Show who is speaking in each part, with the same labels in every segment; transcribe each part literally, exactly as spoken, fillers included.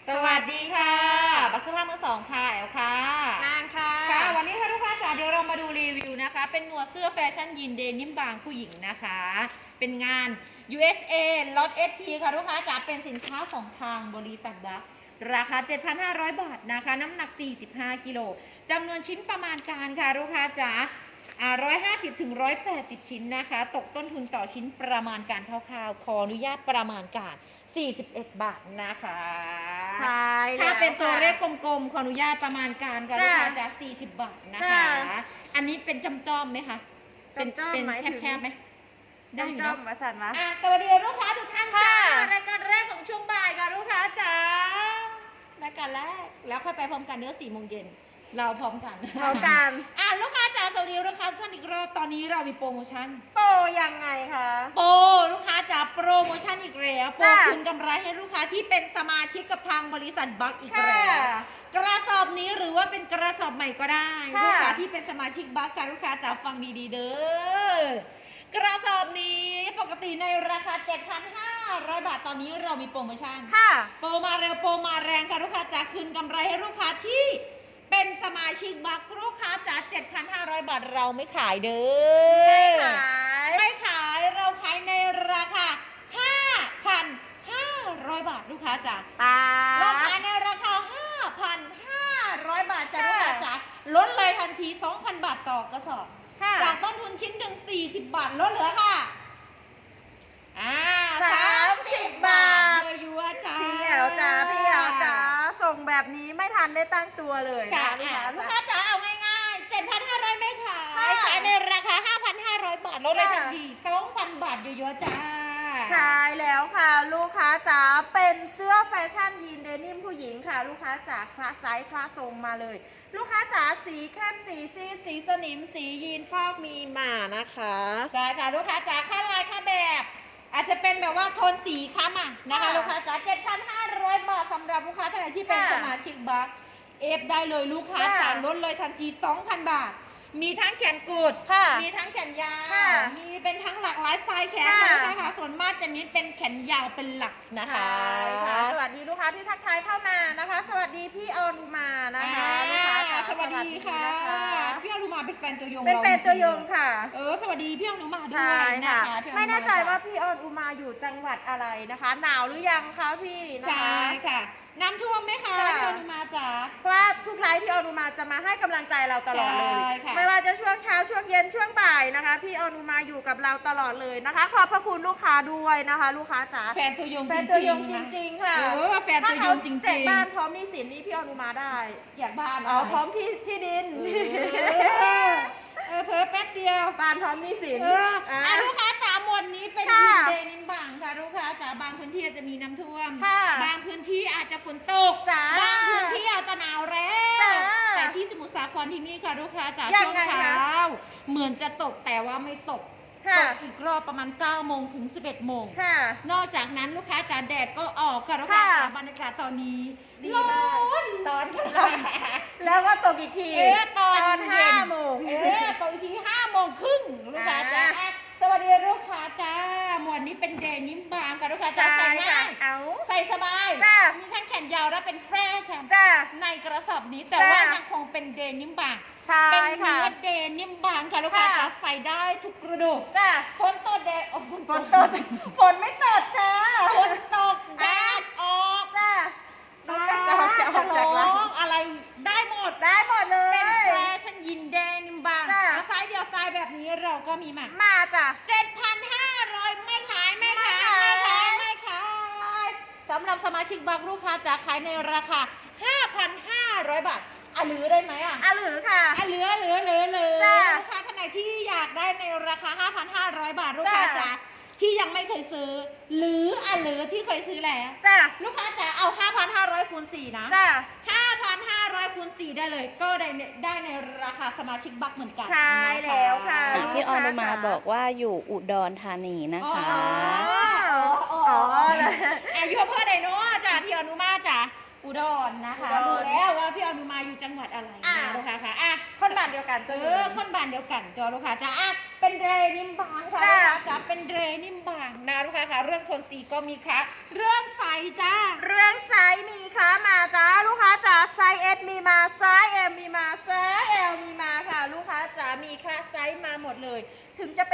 Speaker 1: สวัสดีค่ะบักสภาพมือสองค่ะแอลค่ะ
Speaker 2: นางค่ะ
Speaker 1: ค่ะวันนี้ค่ะลูกค้าจ๋าเดี๋ยวเรามาดูรีวิวนะคะเป็นหนวดเสื้อแฟชั่นยีนเดนิมบางผู้หญิงนะคะเป็นงาน ยู เอส เอ ล็อต เอส ที ค่ะลูกค้าจ๋าเป็นสินค้าของทางบริษัทบัคราคา เจ็ดพันห้าร้อย บาทนะคะน้ำหนัก สี่สิบห้า กิโลจำนวนชิ้นประมาณการค่ะลูกค้าจ๋าอ่าหนึ่งร้อยห้าสิบถึงหนึ่งร้อยแปดสิบ ชิ้นนะคะตกต้นทุนต่อชิ้นประมาณการคร่าวๆขออนุญาตประมาณการสี่สิบเอ็ด บาทนะคะ
Speaker 2: ใช่
Speaker 1: ถ้าเป็นตัวเลขกลมๆขออนุญาตประมาณการค่ะลูกค้าจากสี่สิบบาทนะคะอันนี้เป็นจำจอมไหมคะเป็นเป็นแคบๆไหมได้อยู่เนาะ
Speaker 2: มาสั่นมา
Speaker 1: สวัสดีลูกค้าทุกท่านจ้ารายการแรกของช่วงบ่ายค่ะลูกค้าจ๋ารายการแรกแล้วค่อยไปพร้อมกันเนื้อสี่โมงเย็นเราพร้อมกัน
Speaker 2: พร้อมกัน
Speaker 1: อ่ะลูกค้าจ๋าสวัสดีลูกค้าท่านอีกรอบตอนนี้เรามีโปรโมชั่น
Speaker 2: โปรยังไงคะ
Speaker 1: โปรลูกค้าจ๋าโปรโมชั่นอีกแล้วโปรคืนกำไรให้ลูกค้าที่เป็นสมาชิกกับทางบริษัทบัคอีกแล้วกระสอบนี้หรือว่าเป็นกระสอบใหม่ก็ได้ลูกค้าที่เป็นสมาชิกบัคจ๋าลูกค้าจ๋าฟังดีๆเด้อกระสอบนี้ปกติในราคา เจ็ดพันห้าร้อย บาทตอนนี้เรามีโปรโมชั่นโปรมาเร็วโปรมาแรงค่ะลูกค้าจ๋าคืนกำไรให้ลูกค้าที่เป็นสมาชิกบัคลูกค้าจ๋า เจ็ดพันห้าร้อย บาทเราไม่ขายเด้
Speaker 2: อไม่ขาย
Speaker 1: ไม่ขายเราขายในราคา ห้าพันห้าร้อย บาทลูกค้าจ๋าเราขายในราคา ห้าพันห้าร้อย บาทจ้ะลูกค้าจ๋าลดเลยทันที สองพัน บาทต่อกระสอบจากต้นทุนชิ้นหนึ่งสี่สิบบาทลดเหลือค่ะอ่า
Speaker 2: สามสิบบาท
Speaker 1: ยัวจ้า
Speaker 2: พี่แอลจ้าพี่แอลจ้าส่งแบบนี้ไม่ทันได้ตั้งตัวเลย
Speaker 1: ค่ะลูกค้าจ๋าเอาง่ายๆ เจ็ดพันห้าร้อย ไม่ขายขายในราคา ห้าพันห้าร้อย บาทลดเลยทันที สองพัน บาทยัวจ้า
Speaker 2: ใช่แล้วค่ะลูกค้าจ๋าเป็นเสื้อแฟชั่นยีนเดนิมผู้หญิงค่ะลูกค้าจ๋าคลาสไซส์คลาสทรงมาเลยลูกค้าจ๋าสีเข้มสีซีดสีสนิมสียีนฟอกมีมานะคะ
Speaker 1: ใช่ค่ะลูกค้าจ๋าค่าลายค่าแบบอาจจะเป็นแบบว่าโทนสีค้ำอ่ะนะคะลูกค้าจ๋า เจ็ดพันห้าร้อย บาทสำหรับลูกค้าท่านไหนที่เป็นสมาชิกบัคเอฟได้เลยลูกค้าจ๋าลดเลยทันที สองพัน บาทมีทั้งแขนกุดมีทั้งแขนยาวมีเป็นทั้งหลากหลายสไตล์แขนนะคะส่วนมากจะมีเป็นแขนยาวเป็นหลักนะคะ
Speaker 2: สวัสดีลูกค้าที่ทักทายเข้ามานะคะสวัสดีพี่อนุมานะคะลูกค้า
Speaker 1: สวัสดีค่ะพี่อนุมาเป็นแฟนตัวยง
Speaker 2: เป็นแฟนตัวยงค่ะ
Speaker 1: เออสวัสดีพี่อนุมาด้วยนะคะ
Speaker 2: ไม่แน่ใจว่าพี่อนุมาอยู่จังหวัดอะไรนะคะหนาวหรือยังคะพี่นะคะ
Speaker 1: ใช่ค่ะน้ำท่วมไหมคะพี่อนุมาจ๋า
Speaker 2: เพราะว่าทุกไลฟ์พี่อนุมาจะมาให้กำลังใจเราตลอดเลยไม่ว่าจะช่วงเช้าช่วงเย็นช่วงบ่ายนะคะพี่อนุมาอยู่กับเราตลอดเลยนะคะขอบพระคุณลูกค้าด้วยนะคะลูกค้าจ๋า
Speaker 1: แฟนตัวยง
Speaker 2: แฟนตัวยงจริงๆค่ะ
Speaker 1: เออแฟนตัวยงจริงๆ
Speaker 2: แจกบ้านพร้อมหนี้สินนี่พี่อนุมาได้
Speaker 1: แจกบ้าน
Speaker 2: อ๋อพร้อมที่ที่ดิน
Speaker 1: เออเพิ่มแป๊บเดียว
Speaker 2: บ้านพร้อมหนี้สิน
Speaker 1: อ่าลูกค้าจ๋าหมวดนี้เป็นยีนเดนิมบางค่ะลูกค้าจ๋าบางพื้นที่อาจจะมีน้ำท่วมบางพื้นที่อาจจะฝนตกบางพื้นที่อาจจะหนาวแล้แต่ที่สมุทรสาครที่นี่ค่ะลูกค้าจ๋าช่วงเช้าเหมือนจะตกแต่ว่าไม่ตกตกอีกรอบประมาณเก้าโมงถึงสิบเอ็ดโมงนอกจากนั้นลูกค้าจ๋าแดดก็ออกค่ะลูกค้าจ๋าบรรยากาศตอนนี้ร้อนตอน
Speaker 2: แล้วก็ตกอีกที
Speaker 1: ตอน
Speaker 2: ห้าโมง
Speaker 1: เออตกอีกทีห้าโมงครึ่งลูกค้าจ๋าสวัสดีลูกค้าจ้าหมวดนี้เป็นเดนิมบางกับลูกค้าจ๋าใส่ง่ายใส่สบายมีทั้งแขนยาวและเป็นแฟชั่นในกระสอบนี้แต่ว่ายังคงเป็นเดนิมบางเป็นเนื้อเดนิมบางค่ะลูกค้าจ๋าใส่ได้ทุกฤดู
Speaker 2: จ้า
Speaker 1: ฝนตกแดดออก
Speaker 2: ฝนตกฝนไม่ตกจ้า
Speaker 1: ฝนตกแดดออก
Speaker 2: จ้า
Speaker 1: จะออกจะออกจากร้องอะไรได้หมด
Speaker 2: ได้หมดเลย
Speaker 1: เป็นแฟชั่นยินเดนิมบางไซส์เดียวไซส์แบบนี้เราก็มีมา
Speaker 2: มาจ้ะ
Speaker 1: เจ็ดพันห้าร้อยไม่ขายไม่ขายไม่ขายไม่ขายสำหรับสมาชิกบัคลูกค้าจะขายในราคา ห้าพันห้าร้อย บาทอ่ะหรือได้ไหมอ่ะ
Speaker 2: อ่ะหรือค่ะ
Speaker 1: อ่ะเหลือเหลือเหลือเหลือลูกค้าท่านไหนที่อยากได้ในราคา ห้าพันห้าร้อย บาทลูกค้าจ๋าที่ยังไม่เคยซื้อหรืออ่ะหรือที่เคยซื้อแล้ว
Speaker 2: จ้ะ
Speaker 1: ลูกค้าจ๋าเอา ห้าพันห้าร้อย คูณ สี่นะ
Speaker 2: จ้ะ
Speaker 1: ห้าพันห้าร้อย คูณ สี่ได้เลยก็ได้ได้ในราคาสมาชิกบัคเหมือนกัน
Speaker 2: ใช่แล้วค่ะ
Speaker 3: พี่อนุมาบอกว่าอยู่อุดรธานีนะคะ
Speaker 1: อ๋ออ๋ออายุเพื่อใดเนาะจ้ะพี่อนุมาจ้ะอุดรนะคะดูแล้วว่าพี่อนุมาอยู่จังหวัดอะไรนะลูกค้าค่ะอ่ะ
Speaker 2: คนบ้านเดียวกัน
Speaker 1: เออคนบ้านเดียวกันจ้ะลูกค้าจ้ะอ่ะเป็นเรนิมบางค่ะลูกค้าจ้ะเป็นเรนิมบางนะลูกค้าค่ะเรื่องโทนสีก็มีค่ะเรื่องไซส์จ้า
Speaker 2: เรื่องไซส์มีค่ะ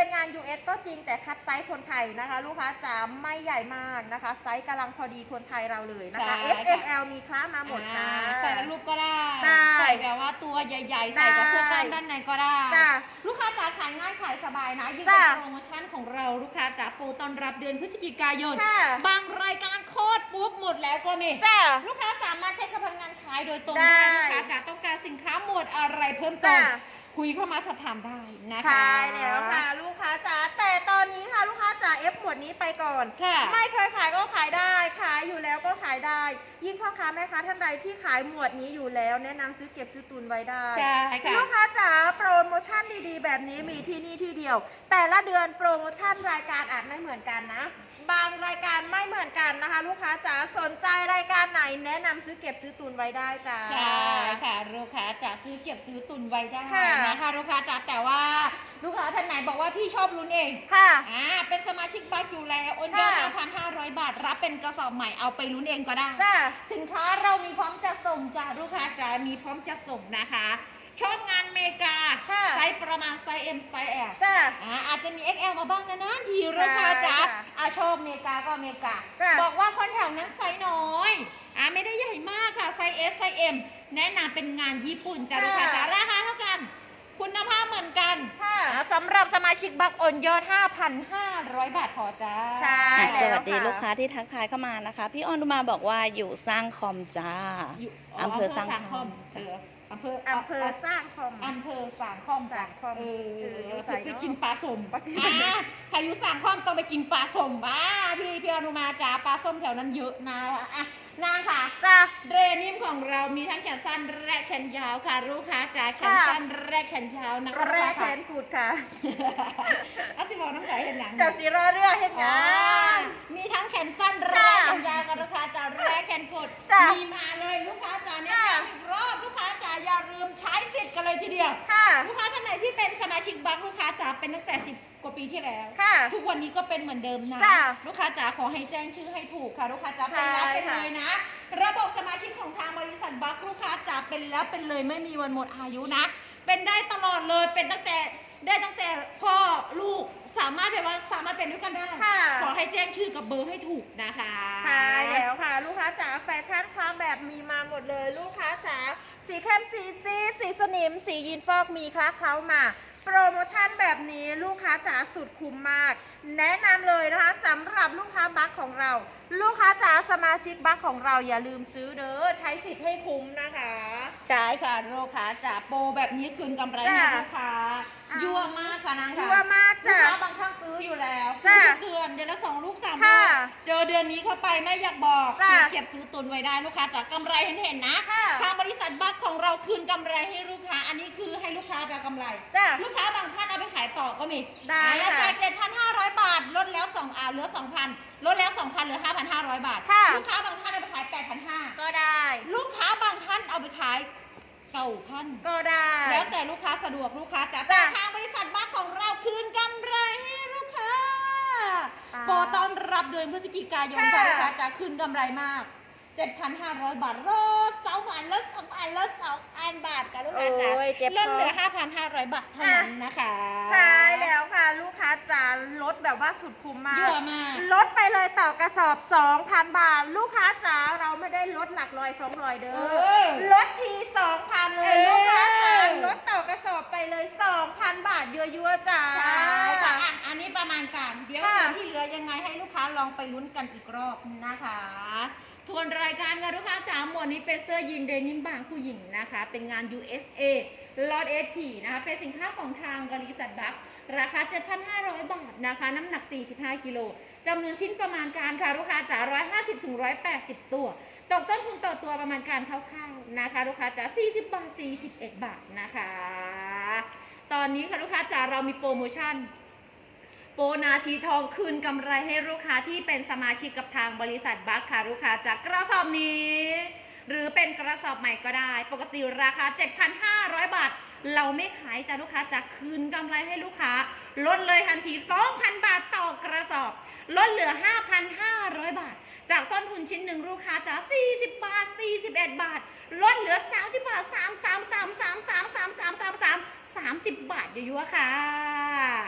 Speaker 2: เป็นงาน ยู เอส ก็จริงแต่คัดไซส์คนไทยนะคะ ลูกค้าจ๋าไม่ใหญ่มากนะคะไซส์กำลังพอดีคนไทยเราเลยนะคะ
Speaker 1: ใช่
Speaker 2: เอส เอ็ม แอล มีคล้ามาหมดจ้า
Speaker 1: อ่าใส่ลูกก็ได้
Speaker 2: ได้
Speaker 1: ใส่แบบว่าตัวใหญ่ๆ ใส่กับเสื้อกล้ามด้านในก็ได้
Speaker 2: จ้า
Speaker 1: ลูกค้าจ๋าขายง่ายขายสบายนะยิ่ง
Speaker 2: จ้า
Speaker 1: เป็นโปรโมชั่นของเราลูกค้าจ๋าโปรตอนรับเดือนพฤศจิกายน
Speaker 2: ค่ะ
Speaker 1: บางรายการโคตรปุ๊บหมดแล้วก็มี
Speaker 2: จ้า
Speaker 1: ลูกค้าสามารถใช้กับพนักงานขายโดยตรง
Speaker 2: ได้
Speaker 1: ได้ลูกค้าจ๋าต้องการสินค้าหมวดอะไรเพิ่มเติม
Speaker 2: จ้า
Speaker 1: คุยเข้ามาสอบถามได้นะคะ
Speaker 2: ใช่แล้วค่ะลูกค้าจ๋าแต่ตอนนี้ค่ะลูกค้าจ๋าเอฟหมวดนี้ไปก่อน
Speaker 1: ค่ะ
Speaker 2: ไม่เคยขายก็ขายได้ขายอยู่แล้วก็ขายได้ ยิ่งพ่อค้าแม่ค้าท่านใดที่ขายหมวดนี้อยู่แล้ว แนะนำซื้อเก็บซื้อตุนไว้ได้
Speaker 1: ใช่ค่ะ
Speaker 2: ลูกค้าจ๋าโปรโมชั่นดีๆ แบบนี้มีที่นี่ที่เดียว แต่ละเดือนโปรโมชั่นรายการอาจไม่เหมือนกันนะ บางรายการไม่เหมือนกันนะคะ ลูกค้าจ๋าสนใจรายการไหนแนะนำซื้อเก็บซื้อตุนไว้ได้จ้า
Speaker 1: ใช่ค่ะลูกค้าจะซื้อเก็บซื้อตุนไว้ได้
Speaker 2: ค่ะ
Speaker 1: นะคะลูกค้าจ๋าแต่ว่าลูกค้าท่านไหนบอกว่าพี่ชอบลุ้นเอง
Speaker 2: ค่ะ
Speaker 1: อ่าเป็นสมาชิกบัคอยู่แล้วโอนยอด
Speaker 2: ค่ะ
Speaker 1: ห้าพันห้าร้อย บาท รับเป็นกระสอบใหม่เอาไปลุ้นเองก็ได้
Speaker 2: จ้า
Speaker 1: สินค้าเรามีพร้อมจะส่งจ้าลูกค้าจ๋ามีพร้อมจะส่งนะคะ ชอบงานเมกา
Speaker 2: ค่ะ
Speaker 1: ไซส์ประมาณไซส์ เอ็ม ไซส์ แอล
Speaker 2: จ้า
Speaker 1: อ่าอาจจะมี เอ็กซ์ แอล มาบ้างนะนะทีลูกค้าจ๋า
Speaker 2: ใช่ค่ะ
Speaker 1: อาชอบเมกาก็เมกา
Speaker 2: จ้ะ
Speaker 1: บอกว่าคนแถวนั้นไซส์น้อยอ่าไม่ได้ใหญ่มากค่ะไซส์ S ไซส์ M แนะนำเป็นงานญี่ปุ่นจ้ะลูกค้าจ๋าราคาเท่ากัน คุณภาพเหมือนกัน
Speaker 2: ค่ะ
Speaker 1: อ่าสำหรับสมาชิกบัคโอนยอด ห้าพันห้าร้อย บาทพอจ้า
Speaker 2: ใช่
Speaker 3: อ่ะ
Speaker 2: แล้ว
Speaker 3: สวัสดี
Speaker 2: ค่ะ
Speaker 3: ลูกค้าที่ทักทายเข้ามานะคะ พี่ออนดุมาบอกว่าอยู่สร้างคอมจ้า
Speaker 1: อยู่
Speaker 3: อำเภอสร้างค
Speaker 1: ค
Speaker 3: อ
Speaker 1: อ
Speaker 3: ม
Speaker 1: มเจออำเภอ
Speaker 2: อำเภอสร้างคอม
Speaker 1: อำเภอสามคอม
Speaker 2: สามคอม
Speaker 1: เออ
Speaker 2: เอออยู่ไส
Speaker 1: ไป
Speaker 2: เนอะ
Speaker 1: กินปลาสม
Speaker 2: ไปกิน
Speaker 1: อ่าใครอยู่สามคอมต้องไปกินปลาสมบ้าพี่พี่อนุมาจ๋าปลาส้มแถวนั้นเยอะนะอ่ะนางค่ะ
Speaker 2: จ้า
Speaker 1: เดรนิมของเรามีทั้งแขนสั้นและแขนยาวค่ะลูกค้าจ๋าแขน
Speaker 2: ค่ะ
Speaker 1: สั้นและแขนยาวนะคะ
Speaker 2: แรกแขนกูดค่ะ
Speaker 1: อาสิบอกน้องสายเห็นหนัง
Speaker 2: เจ้าสีรอเรือเห็น
Speaker 1: อ๋
Speaker 2: งา
Speaker 1: อน มีทั้งแขนสั้นและ
Speaker 2: ค่ะ
Speaker 1: แขนยาวกับลูกค้าจ๋าและแขนกด
Speaker 2: จ้ะ
Speaker 1: มีมาเลยลูกค้าจ๋าเนี่ย
Speaker 2: ค่ะ
Speaker 1: อีกรอบลูกค้าจ๋าอย่าลืมใช้สิทธิ์กันเลยทีเดียว
Speaker 2: ค่ะ
Speaker 1: ลูกค้าท่านไหนที่เป็นสมาชิกบัคลูกค้าจ๋าเป็นตั้งแต่สิบกว่าปีที่แล้ว
Speaker 2: ค่ะ
Speaker 1: ทุกวันนี้ก็เป็นเหมือนเดิมนะ
Speaker 2: จ้ะ
Speaker 1: ลูกค้าจ๋าขอให้แจ้งชื่อให้ถูกค่ะ ลูกค้าจ๋า
Speaker 2: ใช่
Speaker 1: เป็นแล้วเป็น
Speaker 2: ค่ะ
Speaker 1: เลยนะ ระบบสมาชิกของทางบริษัทบัคลูกค้าจ๋าเป็นแล้วเป็นเลยไม่มีวันหมดอายุนะ เป็นได้ตลอดเลยเป็นตั้งแต่ได้ตั้งแต่พ่อลูกสามารถแบบว่าสามารถเป็นด้วยกันได้
Speaker 2: ค่ะ
Speaker 1: ขอให้แจ้งชื่อกับเบอร์ให้ถูกนะคะ
Speaker 2: ใช่แล้วค่ะ ลูกค้าจ๋าแฟชั่นคลามแบบมีมาหมดเลย ลูกค้าจ๋าสีเข้มสีซีดสีสนิม สียีนฟอกมีคล้าเคล้ามา โปรโมชั่นแบบนี้ลูกค้าจ๋าสุดคุ้มมาก แนะนำเลยนะคะสำหรับลูกค้าบัคของเรา ลูกค้าจ๋าสมาชิกบัคของเราอย่าลืมซื้อเด้อใช้สิทธิ์ให้คุ้มนะคะ
Speaker 1: ใช่ค่ะลูกค้าจ๋าโปรแบบนี้คืนกำไรให้
Speaker 2: จ้ะ
Speaker 1: ลูกค้า
Speaker 2: อ่ะ
Speaker 1: ยั่วมากค่ะนางค่ะ
Speaker 2: ยั่วมาก
Speaker 1: ลูก
Speaker 2: จ้ะ
Speaker 1: ค้าบางท่านซื้ออยู่แล้วซื้
Speaker 2: จ้ะ
Speaker 1: อทุกเดือนเดือนละสองลูกสามลู
Speaker 2: ค่ะ
Speaker 1: กเจอเดือนนี้เข้าไปไม่อยากบอก
Speaker 2: จ้ะ
Speaker 1: ซื้อเก็บซื้อตุนไว้ได้ลูกค้าจ๋ากำไรเห็นเห็นๆนะ
Speaker 2: ค่ะ
Speaker 1: ทางบริษัทบัคของเราคืนกำไรให้ลูกค้า อันนี้คือให้ลูกค้าจะกำไร
Speaker 2: จ้ะ
Speaker 1: ลูกค้าบางท่านเอาไปขายต่อก็มี
Speaker 2: ได้
Speaker 1: อ่า
Speaker 2: ค่ะ
Speaker 1: จาก เจ็ดพันห้าร้อย บาทลดแล้วสองอ่าเหลือ สองพัน ลดแล้ว สองพัน เหลือ ห้าพันห้าร้อย บาท
Speaker 2: ค่ะ
Speaker 1: ลูกค้าบางท่านเอาไปขาย แปดพันห้าร้อย
Speaker 2: ก็ได้
Speaker 1: ลูกค้าบางท่านเอาไปขายเก้าพัน
Speaker 2: ก็ได้
Speaker 1: แล้วแต่ลูกค้าสะดวกลูกค้าจ๋า
Speaker 2: จ้ะ
Speaker 1: ทางบริษัทบัคของเราคืนกำไรให้ลูกค้า
Speaker 2: อ่า
Speaker 1: โปรต้อนรับเดือนพฤศจิกายน
Speaker 2: ค่ะ
Speaker 1: ค่ะลูกค้าจ๋าคืนกำไรมาก เจ็ดพันห้าร้อย บาทลดสองพันลดสองพันลดสองพันบาทค่ะลูกค้าจ๋า
Speaker 2: โอ้ยเจ็บ
Speaker 1: ลด
Speaker 2: คอ
Speaker 1: เหลือ ห้าพันห้าร้อย บาทเท่านั้นนะคะ
Speaker 2: ใช่แล้วค่ะ ลูกค้าจ๋าลดแบบว่าสุดคุ้มมาก
Speaker 1: เยอะมาก
Speaker 2: ลดไปเลยต่อกระสอบ สองพัน บาท ลูกค้าจ๋าเราไม่ได้ลดหลักร้อยสองร้อยเด้
Speaker 1: เอ
Speaker 2: อ
Speaker 1: อ
Speaker 2: ลดที สองพัน เลย
Speaker 1: เออ
Speaker 2: ลูกค้าจ๋าลดต่อกระสอบไปเลย สองพัน บาทยั่วๆจ๋า
Speaker 1: ใช่ค่ะอ่ะ อันนี้ประมาณการเดี๋ยว
Speaker 2: ค่ะ
Speaker 1: ส่วนที่เหลือยังไงให้ลูกค้าลองไปลุ้นกันอีกรอบนะคะทวนรายการกันลูกค้าจ๋าหมวดนี้เป็นเสื้อยีนเดนิมบางผู้หญิงนะคะ เป็นงาน ยู เอส เอ ล็อต เอส พี นะคะ เป็นสินค้าของทางบริษัทบัคราคา เจ็ดพันห้าร้อย บาทนะคะ น้ำหนัก สี่สิบห้า กิโลจำนวนชิ้นประมาณการค่ะลูกค้าจ๋าหนึ่งร้อยห้าสิบถึงหนึ่งร้อยแปดสิบ ตัวตกต้นทุนต่อตัวประมาณการคร่าวๆนะคะลูกค้าจ๋าสี่สิบบาท สี่สิบเอ็ด บาทนะคะ ตอนนี้ค่ะลูกค้าจ๋าเรามีโปรโมชั่น โปรนาทีทองคืนกำไรให้ลูกค้าที่เป็นสมาชิกกับทางบริษัทบัคค่ะลูกค้าจากกระสอบนี้ หรือเป็นกระสอบใหม่ก็ได้ ปกติราคา เจ็ดพันห้าร้อย บาท เราไม่ขายจ้ะลูกค้าจากคืนกำไรให้ลูกค้าลดเลยทันที สองพัน บาทต่อกระสอบลดเหลือ ห้าพันห้าร้อย บาท จากต้นทุนชิ้นหนึ่งลูกค้าจะสี่สิบบาท สี่สิบเอ็ด บาทลดเหลือสามสิบบาท สาม สาม สาม สาม สาม สาม สาม สาม สาม สามสิบบาทยั่วๆค่ะ
Speaker 2: ค่ะ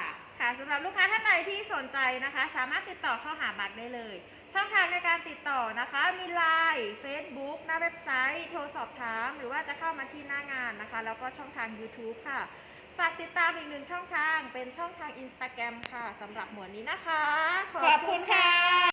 Speaker 2: ค่ะสำหรับลูกค้าท่านใดที่สนใจนะคะ สามารถติดต่อเข้าหาบักได้เลย ช่องทางในการติดต่อนะคะ มีไลน์ Facebook หน้าเว็บไซต์ โทรสอบถามหรือว่าจะเข้ามาที่หน้างานนะคะ แล้วก็ช่องทาง YouTube ค่ะ ฝากติดตามอีกหนึ่งช่องทางเป็นช่องทาง Instagram ค่ะสำหรับหมวดนี้นะคะ
Speaker 1: ขอบคุณค่ะ